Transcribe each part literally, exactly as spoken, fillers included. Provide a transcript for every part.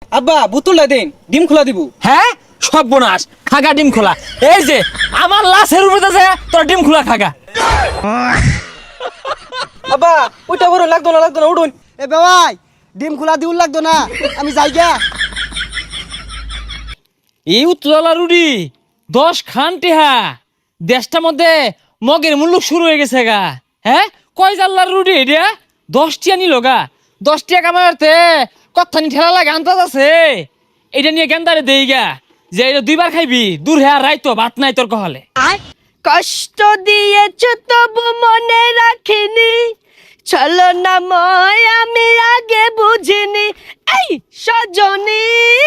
আব্বা বোতলটা দেন, ডিম খোলা দিব। হ্যাঁ সর্বনাশ, খাগা ডিম খোলা। এই যে আমার লাশের উপরে আছে তোর ডিম খোলা খাগা। আব্বা ওইটা বড় লাগতো না, লাগতো না, উঠুন। এ বেওয়াই ডিম খোলা দিউল লাগতো না, আমি যাই গা। এই উত্তলা রুডি দশ খান টেহা দেশটার মধ্যে মগের মুল্লুক শুরু হয়ে গেছে গা। হ্যাঁ কয় জাল্লার রুডি এটা দশটিয়া নিল গা। দশটিয়া কামাতে কত্থানি ঠেলা লাগে আন্দাজ আছে। এটা নিয়ে গেন্দারে দেই গা যে এটা দুইবার খাইবি, দূর হ্যাঁ রাইতো ভাত নাই তোর কহলে। কষ্ট দিয়েছ তবু মনে রাখিনি, চলো না ময় আমি আগে বুঝিনি। এই সজনী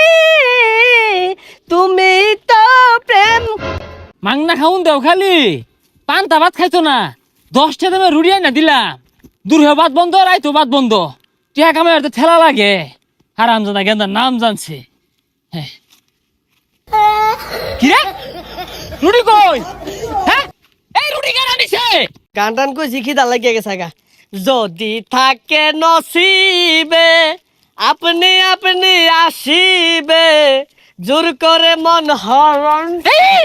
তুমি তো প্রেম। মাংনা খাউন দেও খালি পান্তা ভাত খাইতো না। দশটা দামে রুড়ি না দিলাম, দূর হ্যাঁ ভাত বন্ধ রাইতো ভাত বন্ধ। টিয়া কামাই ঠেলা লাগে। হারাম জানা গেন্দার নাম জানছে। হ্যাঁ কি রে রুডি কই? হ্যাঁ এই রুডি কেন আনিছে? গান টান কই শিখিদা লাগিয়ে গেছে গা। যদি থাকে নসিবে আপনি আপনি আসিবে, জোর করে মন হরণ। এই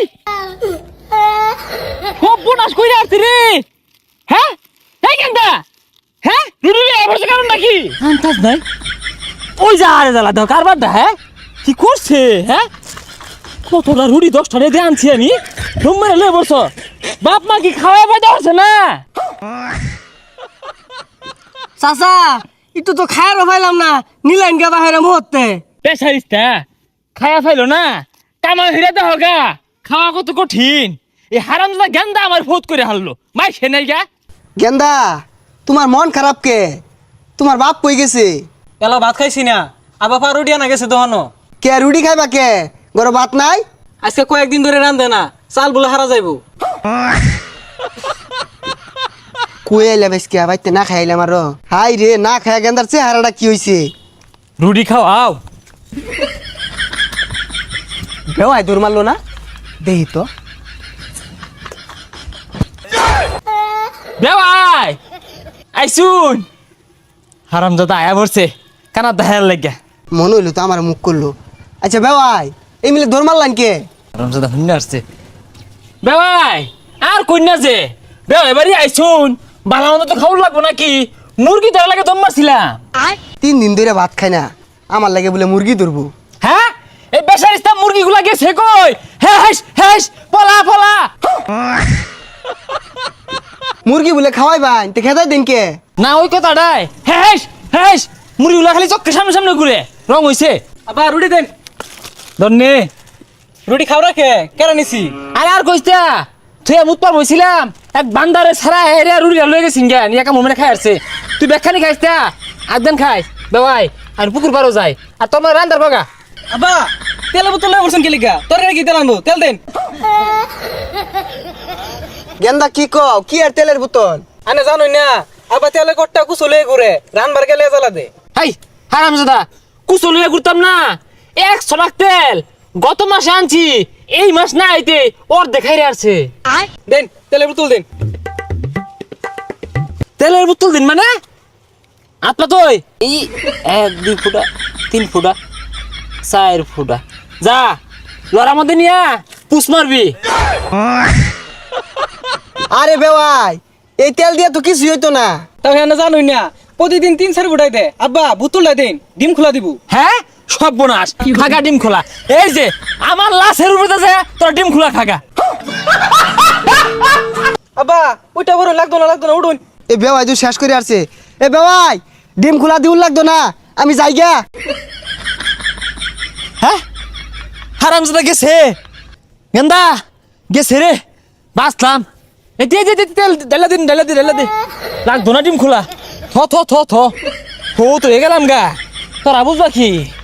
খুব বোনাস কইরা আসছে রে। হ্যাঁ এই গেন্দা হ্যাঁ রুডি রে এবারে কারণ নাকি আন্তাজ নাই। ওই যা আরে দালা দাও কারবার দা। হ্যাঁ কি করছে? হ্যাঁ কতটা রুডি দশটা রে আনছি আমি। রুম লে বসছ বাপ মা কি খাওয়াই পাইতে পারছে না? চাচা একটু তো খায়ারও পাইলাম না, নিলেন গা বাহিরে মুহূর্তে। পেশারিস্তা খায়া ফাইলো না, কামা হিরা দেহ গা। খাওয়া কত কঠিন। এই হারামজাদা গেন্দা আমার ফোত করে হারলো। মাই সে নাই গা। গেন্দা তোমার মন খারাপ কে? তোমার বাপ কই গেছে? এলা ভাত খাইছি না, আব্বা পা রুটি আনা গেছে দোহানো। কে রুটি খাইবা কে? ঘরে ভাত নাই? আজকে কয়েকদিন ধরে রান্ধে না, চাল বলে হারা যাইব। কই আইলা বেশকে বাইতে না খাইলাম আরো। হাই রে না খায়া গেন্দার চেহারাটা কি হইছে? রুটি খাও আও। বেওয়াই দৌড় মারলো না, দেহি তো। বেওয়াই আইসুন। হারামজাদা আয়া পড়ছে কানা দাহের লাগিয়া। মনে হইলো তো আমার মুখ করলো। আচ্ছা বেওয়াই এই মিলে দৌড় মারলান কে? হারামজাদা হুন্না আসছে। বেওয়াই আর কইনা যে বেওয়াই বাড়ি আইসুন। বালা মতো তো খাওয়া লাগবো নাকি? মুরগি ধরা লাগে দম মারছিলাম। তিন দিন ধরে ভাত খাই না, আমার লাগে বলে মুরগি ধরবো। হ্যাঁ এই বেচারিস্তা মুরগি গুলা গেছে কই? হেস হেস পলা পলা। মুরগি বলে খাওয়াই ভাই তে খেতাই দিন কে? না ওই কথাটাই। হেস হেস মুরগি গুলা খালি চোখের সামনে সামনে ঘুরে রং হইছে। আব্বা রুটি দেন। ধন্যে রুটি খাও রাখে কেন নিছি? আরে আর কইতা তুই মুত পার বইছিলাম এক বান্দারে ছাড়া হেরে রুড়ি লয়ে গেছিন জ্ঞান একা মোমেনে খাই আসছে। তুই বেখানি খাইস তা একদিন খাইস বেওয়াই আর পুকুর পারও যায় আর তোমার রান্দার বাগা। আব্বা তেল বোতল লয়ে বলছেন কি লিগা? তরকারি কি তেল আনবো? তেল দেন। গেন্দা কি কও? কি আর তেলের বোতল? আনে জানোই না আব্বা তেলে কট্টা কুচলে ঘুরে রানবার গেলে জ্বালা দে। হাই হারামজাদা কুচো লইয়া ঘুরতাম না। একশো লাখ তেল গত মাসে আনছি, এই মাস না আইতে ওর দেখাই আসছে। দেন তেলের বোতল দেন। তেলের বোতল দিন মানে আপনা তো এই এক দুই ফুটা তিন ফুটা চার ফুটা যা লড়ার মধ্যে নিয়া পুষ মারবি। আরে বেওয়াই এই তেল দিয়ে তো কিছু হইতো না। তাহলে আনে জানোই না প্রতিদিন তিন চার ফুটাই দে। আব্বা বোতলটা দেন, ডিম খোলা দিব। হ্যাঁ সর্বনাশ খাগা ডিম খোলা। এই যে আমার লাশের উপরে আছে তোর ডিম খোলা খাগা। আব্বা ওইটা বড় লাগতো না, লাগতো না, উঠুন। এ বেওয়াই তুই শেষ করে আসছে। এ বেওয়াই ডিম খোলা দিউল লাগতো না, আমি যাই গা। হ্যাঁ হারামজাদা গেছে গেন্দা গেছে রে বাঁচলাম। এই দিয়ে দিয়ে তেল ডালা দিন ডালা দি ডালা দে লাগতো না ডিম খোলা। থ থ থ থ তো তো গেলাম গা তোরা বুঝবা কি?